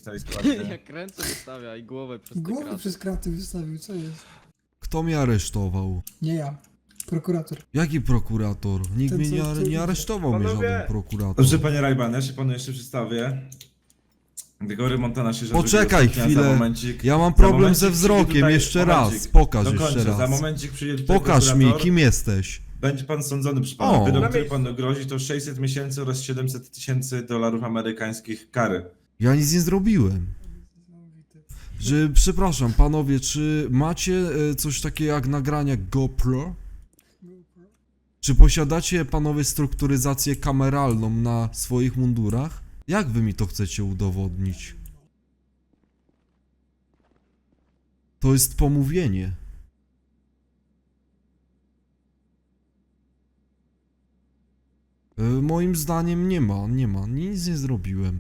stanowisku właśnie. Jak ręce wystawia i głowę przez te Głowę kraty. przez kraty wystawił, co jest? Kto mnie aresztował? Nie ja. Prokurator. Jaki prokurator? Nikt Ten, mnie co nie idzie. aresztował, mnie Panowie! żaden prokurator. Dobrze, panie Rajban, ja się panu jeszcze przedstawię. Gregory Montana się Poczekaj chwilę. Za momencik, Ja mam za problem momencik ze przyjdzie wzrokiem, tutaj- jeszcze momencik. raz. Pokaż Dokończę, jeszcze za raz. momencik przyjdzie tutaj Pokaż mi, prokurator. kim jesteś. Będzie pan sądzony, proszę pana. O. Wyrok, który panu grozi, to 600 miesięcy oraz 700 tysięcy dolarów amerykańskich kary. Ja nic nie zrobiłem. Przepraszam, panowie, czy macie coś takiego jak nagrania GoPro? Czy posiadacie, panowie, strukturyzację kameralną na swoich mundurach? Jak wy mi to chcecie udowodnić? To jest pomówienie. Moim zdaniem nie ma, nic nie zrobiłem.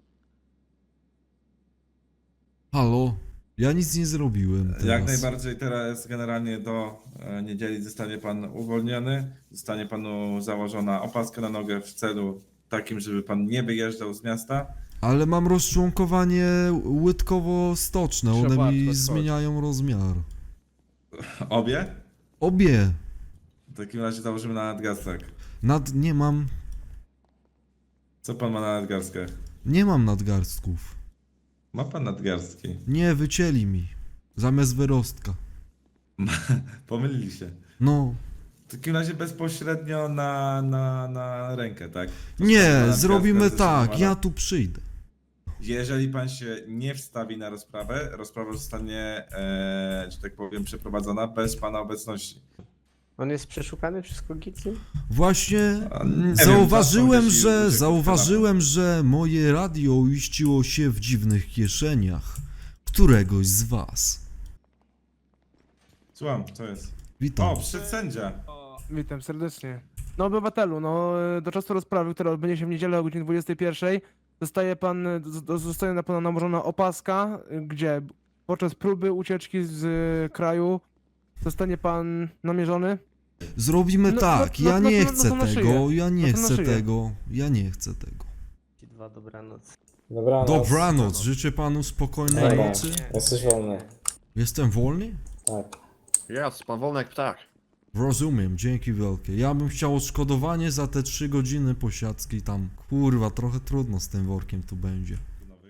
Halo? Ja nic nie zrobiłem teraz. Jak najbardziej teraz generalnie do niedzieli zostanie pan uwolniony. Zostanie panu założona opaska na nogę w celu takim, żeby pan nie wyjeżdżał z miasta. Ale mam rozczłonkowanie łydkowo-stoczne, one Szopatko, mi chodź. zmieniają rozmiar. Obie? Obie. W takim razie założymy na nadgarstek. Nie mam, Co pan ma na nadgarstkach? nie mam nadgarstków. Ma pan nadgarstki. Nie, wycięli mi. Zamiast wyrostka. Pomylili się. No. W takim razie bezpośrednio na rękę, tak? To Nie, nadgarstek zrobimy zdecydowana. tak, ja tu przyjdę. Jeżeli pan się nie wstawi na rozprawę, rozprawa zostanie, że tak powiem, przeprowadzona bez pana obecności. On jest przeszukany przez Kogicim? Właśnie A, nie wiem, zauważyłem, czasem gdzieś zauważyłem, że moje radio uiściło się w dziwnych kieszeniach któregoś z was. Słucham, co jest? Witam. O, przyszedł sędzia. Witam serdecznie. No obywatelu, do czasu rozprawy, która odbędzie się w niedzielę o godzinie 21, zostaje na pana nałożona opaska, gdzie podczas próby ucieczki z kraju zostanie pan namierzony. Zrobimy tak, ja nie chcę to na tego, szyję. ja No nie to na chcę szyję. tego, ja nie chcę tego. Ci dwa, dobranoc. Dobranoc. Dobranoc, życzę panu spokojnej Dobra. nocy. Jesteś wolny. Jestem wolny? Tak. Jest, pan wolny jak ptak. Rozumiem, dzięki wielkie. Ja bym chciał odszkodowanie za te 3 godziny posiadzki tam. Kurwa, trochę trudno z tym workiem tu będzie.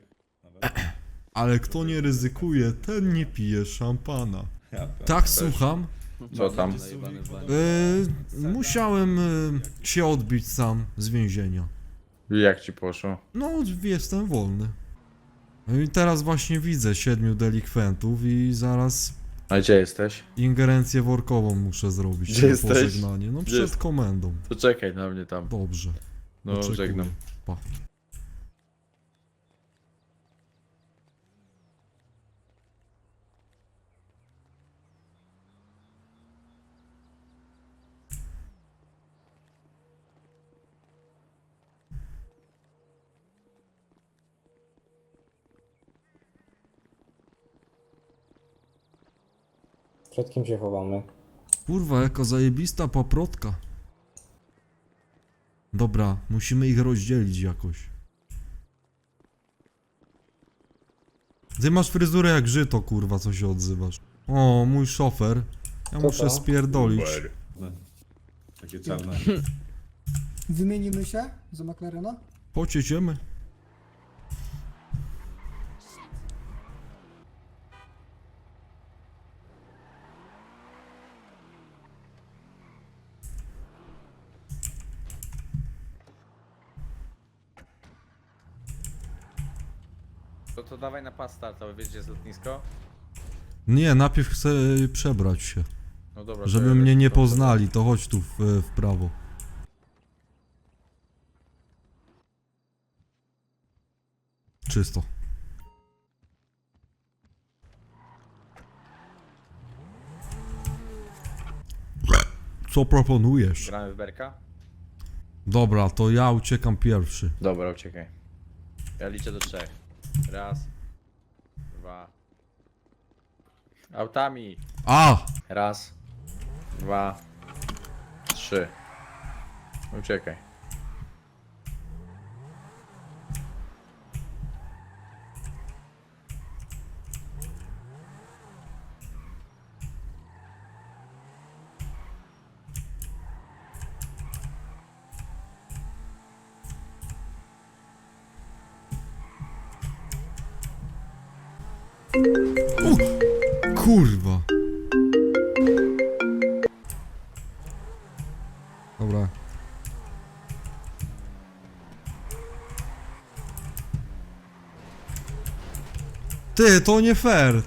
Ale kto nie ryzykuje, ten nie pije szampana. Ja, Tak, też. słucham. Co tam? Zajebany w banie. Musiałem się odbić sam z więzienia. Jak ci poszło? No, jestem wolny. No i teraz właśnie widzę 7 delikwentów i zaraz A gdzie jesteś? ingerencję workową muszę zrobić. Gdzie na jesteś? pożegnanie. No Gdzie przed jest- komendą. To czekaj na mnie tam. Dobrze. No, Oczekuję. żegnam. Pa. Przed kim się chowamy? Kurwa, jaka zajebista paprotka. Dobra, musimy ich rozdzielić jakoś. Ty masz fryzurę jak żyto, kurwa, co się odzywasz. O, mój szofer. Ja Co muszę to? spierdolić. No, takie czarne. Wymienimy się za McLarena? Pocieciemy. To dawaj na pas startowy, wiesz gdzie jest lotnisko? Nie, najpierw chcę przebrać się. No dobra. to Żeby ja mnie lecę nie po- poznali, to chodź tu w prawo. Czysto. Co proponujesz? Gramy w berka? Dobra, to ja uciekam pierwszy. Dobra, uciekaj. Ja liczę do 3. Raz. 2. Autami. A! Raz. 2. 3. Uciekaj. O, kurwa. Dobra. Ty, to nie fair.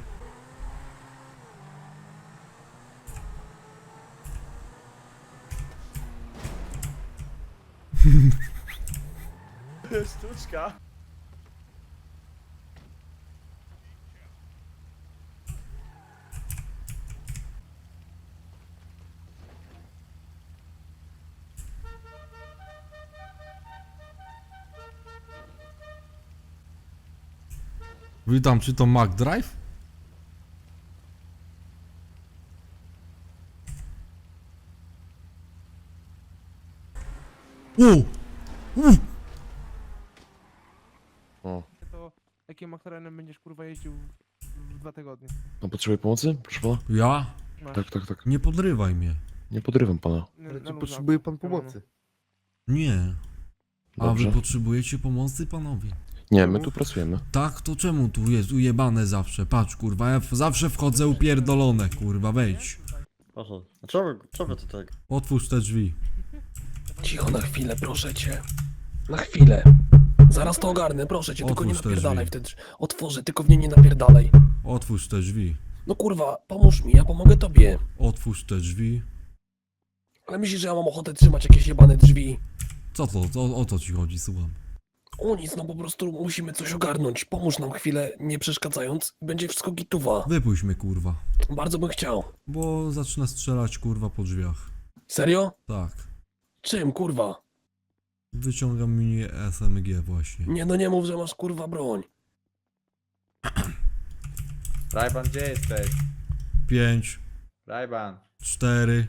Sztuczka. Witam, czy to Mac Drive? O, To jakim McLarenem będziesz kurwa jeździł w 2 tygodnie? no potrzebuję pomocy? Proszę pana? Ja? Masz. Tak. Nie podrywaj mnie. Nie podrywam pana. Na luzaku. Potrzebuje pan Wiadomo. pomocy. Nie. A Dobrze. wy potrzebujecie pomocy, panowie? Nie, my tu pracujemy. Tak, to czemu tu jest ujebane zawsze? Patrz, kurwa, ja zawsze wchodzę upierdolone, kurwa, wejdź. Proszę. Co wy to tak? Otwórz te drzwi. Cicho na chwilę, proszę cię. Na chwilę. Zaraz to ogarnę, proszę cię, tylko nie Otwórz te napierdalaj drzwi. wtedy. Otworzę, tylko w nie nie napierdalaj. Otwórz te drzwi. No kurwa, pomóż mi, ja pomogę tobie. Otwórz te drzwi. Ale myślisz, że ja mam ochotę trzymać jakieś jebane drzwi? Co to? O co ci chodzi, słucham? O nic, no po prostu musimy coś ogarnąć. Pomóż nam chwilę, nie przeszkadzając. Będzie wszystko gituwa. Wypuść mnie, kurwa. Bardzo bym chciał. Bo zacznę strzelać, kurwa, po drzwiach. Serio? Tak. Czym, kurwa? Wyciągam mini SMG właśnie. Nie no nie mów, że masz kurwa broń. Rajban, gdzie jesteś? 5, Rajban. 4.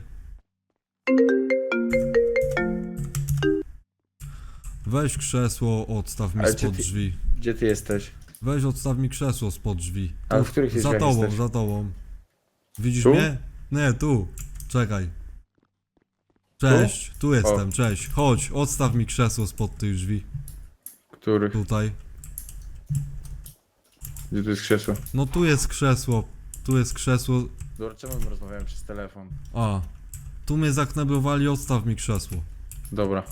Weź krzesło, odstaw mi Ale czy spod ty- drzwi. Gdzie ty jesteś? Weź odstaw mi krzesło spod drzwi. Ale w których Za drzwiach tobą, jesteś? za tobą. Widzisz Tu? mnie? Nie, tu. Czekaj. Cześć, tu jestem, cześć. Chodź, odstaw mi krzesło spod tych drzwi. Których? Tutaj. Gdzie tu jest krzesło? No tu jest krzesło. Tu jest krzesło. Dobra, czemu my rozmawiamy przez telefon? A. Tu mnie zakneblowali, odstaw mi krzesło. Dobra.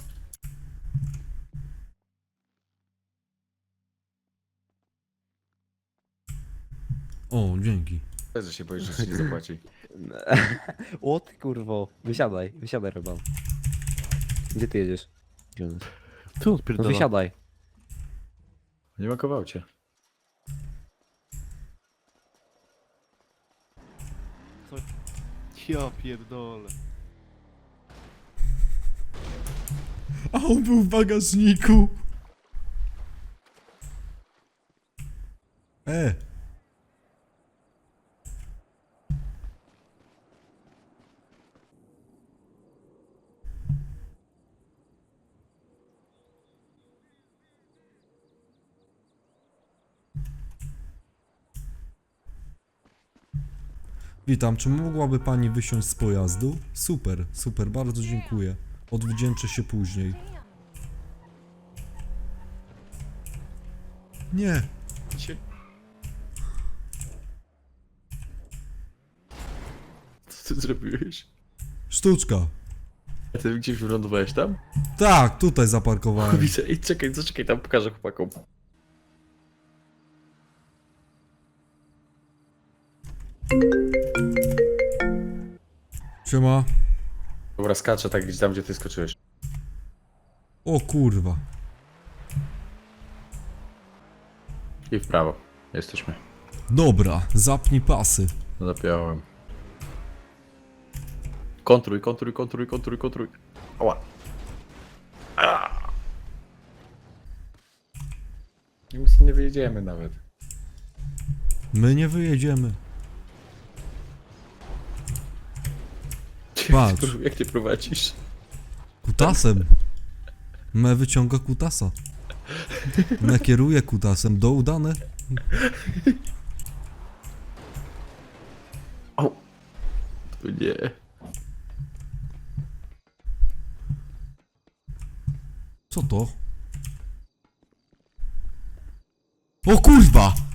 O, dzięki. Że się boisz, że ci nie zapłaci. O ty kurwo, wysiadaj Ryban. Gdzie ty jedziesz? Tu No odpierdala. wysiadaj. Nie makował cię. Ja pierdolę. A on był w bagażniku. Witam, czy mogłaby pani wysiąść z pojazdu? Super, super, bardzo dziękuję. Odwdzięczę się później. Nie. Co ty zrobiłeś? Sztuczka. A ty gdzieś wylądowałeś tam? Tak, tutaj zaparkowałem. Widzę, i czekaj, zaczekaj, tam pokażę chłopakom. Siema. Dobra, skaczę tak gdzieś tam, gdzie ty skoczyłeś. O kurwa. I w prawo. Jesteśmy. Dobra, zapnij pasy. Zapiąłem. Kontruj. Oła. Nic nie wyjedziemy nawet. My nie wyjedziemy. Patrz. Jak ty prowadzisz? Kutasem. Me wyciąga kutasa. Me kieruje kutasem. Do udane. O nie. Co to? O kurwa!